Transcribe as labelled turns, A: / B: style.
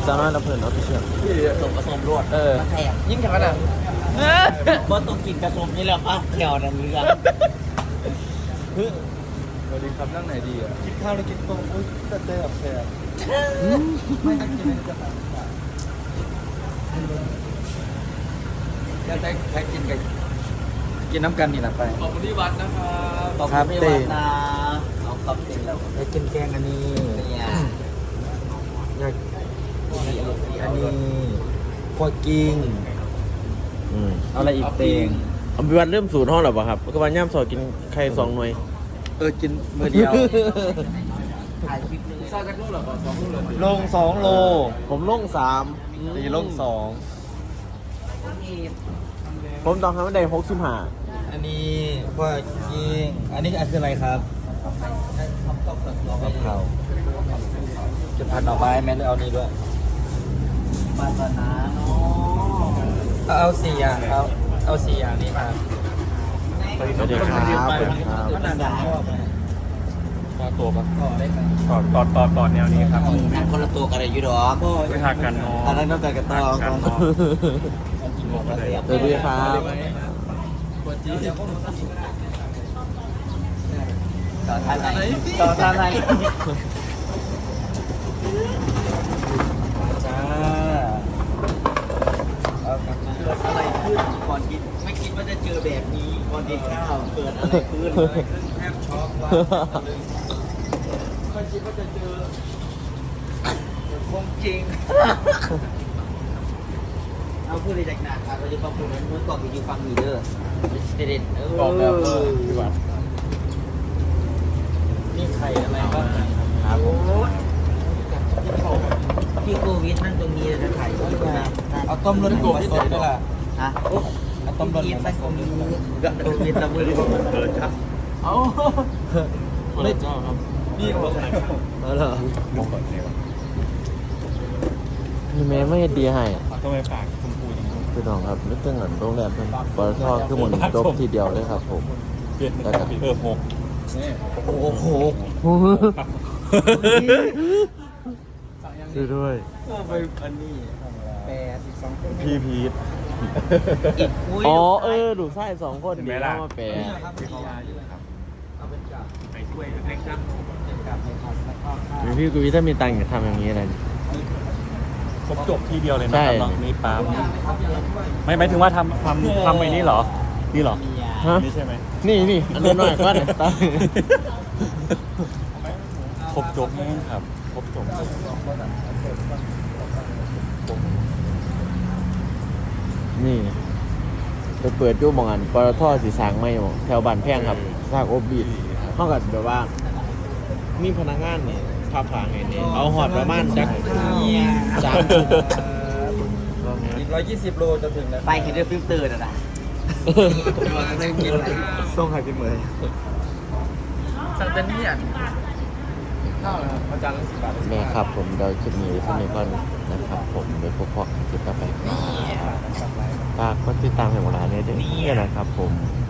A: สาวน้อยลำเพลินออฟฟิเชียล
B: ผสมผสมรวด
A: เออ
B: มาแทง
A: ยิ่งขนาดนั้น
B: บ่ต้องกินกระสมนี่แหละป้าแถวนั้นเรื่อง
C: สวัสดีครับนั่งไหนดีอ่ะ
B: กินข้าวหรือกินต้มอุ้ยแต่เจอแบบแซ่บ
C: ไม่ต้องกินจะสั่งแล้วได้กินกับกินน้ำกันนี่นะไป
A: ขอบคุณที่วัดนะครับ
B: ขอบคุณพี่วันนะเอาขอบคุณแล้ว
C: ได้กินแกงอันนี้
B: เนี่ย
C: อยากอันนี้พวกกิ้งเอาอะไรอีกเตง
A: อภิวัตเริ่มสูตรห้องหรอเปล่าครับก็วันย่ำสอกินไข่2 หน่วย
C: กินมือเดียว
B: ถ่ายคลิปนึง
A: ซาจากลูกหรอเปล่า2 ลูกเลย
C: ลง2 โล
A: ผมลง3
C: ตีลง
A: ผมต้องทำให้ได้65
C: 2อันนี้พวกกิ้งอันนี้คืออะไรครับกะเพราจะผัดหน่อไม้แม่เอานี้ด้วย
B: ปาตนาเนาะ
C: เอา4 อย่างเอา4 อย่างนี้มา
A: สวัสดีครับ
C: ขนาดนั้นชอบไหม
D: ต่อตัวปะ
C: ต่อได้ไหม
D: ต่อแนวนี้ครับ
B: นั่นคนละตัวกันเลยอยู่ดอก
D: ไม่หักกันเนาะ
B: อันนั้นต้องการกระตอง
D: กันเนาะ
A: สวัสดีครับ
B: ต่อท่านไหนต่อท่านไหน
C: จ้า
B: เกิดอะไรขึ้นก่อนกินไม่คิดว่าจะเจอแบบนี้ก่อนกินข้าวเกิดอะไรขึ้น
C: แทบช็อกว่าไม่คิดว่าจะเจอคงจริง
B: เอาพูดเลยจากหนักครับเราจะขอบคุณนู้นก่อนที่อยู่ฟังอยู่เด้อเด็ดๆ
D: บอกแล้วพี่วัด
C: นี่ไข่อะไรบ้าง
A: ครับผม
B: ที่โควิดนั่นตรงนี้จะถ่ายรูปนะ
C: เอาต้มรสหมูผสมด้วยล่ะ
B: ฮะ
C: เอาต้มรสห
B: ที่
C: มูผ
B: มัน
C: ส
B: ตร
C: ม
B: ง
C: ด้วย
B: นี้โควิดเราไม่รู้ว่ามันเกิดครับ
A: เอา
D: ไม่เจ้าครับ
C: นี่บอกไหน
A: เอาเหรอ
D: มองก่อนเลยวะ
A: พี่แม่ไม่ดีให้
D: ทำไมปากชมพูอย่างนี้
A: พี่น้องครับนึกถึงโรงแรมเป็นปตทคือหมดจบทีเดียวเลยครับผม
D: เปลี่ยนนะครับหก
C: โอ้โห
A: ช่วยด้วย
C: ไปอันนี้82 คน
D: พี่พีท
B: อีกอุ้ย
A: อ๋อดูใช่2 คนดีแล้วมาแปล
C: ครับที่เขาครับเอาเป็นกับ
D: ไปช่วยเล็กครับ
C: เป็นกับในคอร์สแล้วก็ข้าว
A: พี่กุยถ้ามีตังค์จะทำอย่างนี้อะไร
D: ครบจบที่เดียวเลยนะ
A: ใช่
D: ครับนี่ปั๊มไม่หมายถึงว่าทำไปนี่เหรอ นี่เหรอ
A: ฮะ
D: นี่ใช่ไหม
A: นี่อันนู้นหน่อยก็ได้ตังค์
D: ครบจบแม่งครับ ครบจบ
A: นี่ไปเปิดยู่มองอันปตทสีสางไม่หมแถวบ้านแพงครับซากอบบีดเท่ากับแบบว่ามีพนักงานเนี่ยพับผางไงเนี่ยเอาหอดประมาณจัก3 ชุด
C: อีก120 โลจะถึงแล้ว
B: ไปเห็นเรื่องฟิลเตอร์นะ
C: ส่งใครกินเหมย
B: สั่งเป็นนี่อ่ะ
C: ข้าวนะครับอาจารย์ละ10 บาท
A: แม่ครับผมเดาคลิปนี้ที่นี่ก่อนนะครับผมโดยพวกพ่อคลิปต่อไปฝากกดติดตามให้หมดร้านนี้ด้วยนะครับผม